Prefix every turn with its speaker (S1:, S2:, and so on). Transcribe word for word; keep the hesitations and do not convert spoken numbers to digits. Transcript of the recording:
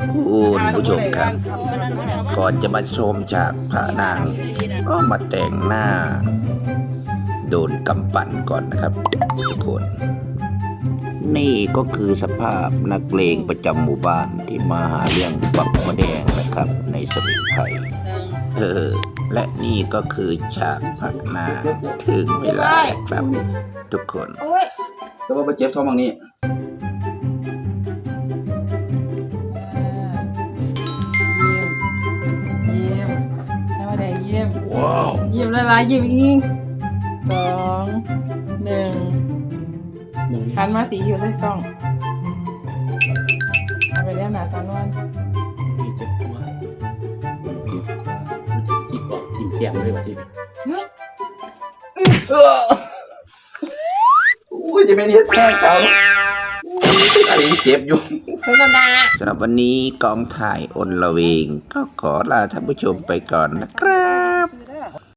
S1: คุณผู้ชมครับ ก่อนจะมาชมฉากพระนางก็มาแต่งหน้า โดนกำปั่นก่อนนะครับทุกคน นี่ก็คือสภาพนักเลงประจำหมู่บ้านที่มาหาเรื่องบักมะแดงนะครับ ในสมุนไพรเออ และนี่ก็คือฉากพระนางถึงเวลาแล้วครับ ทุกคน
S2: แต่ว่าไปเจ็บท้องบางนี้
S3: เยี่ยมให้มาแดงเยี่ยมว้าวเยี่ยมละลายเยี่ยมอีกสองหนึ่งหันมาสีอยู่ใส่กล้องเอาไปเรียกหนาสอนวัน
S2: เจ็บตัวเจ็บตัวจิกออกทิ่มแก้มเลยว่ะทีนี้โอ้ยจะเป็นเฮ็ดแห้งเช้าอะไรเจ็บอยู่สำหรับวันนี้กองถ่ายอนละเวงก็ขอลาท่านผู้ชมไปก่อนนะครับ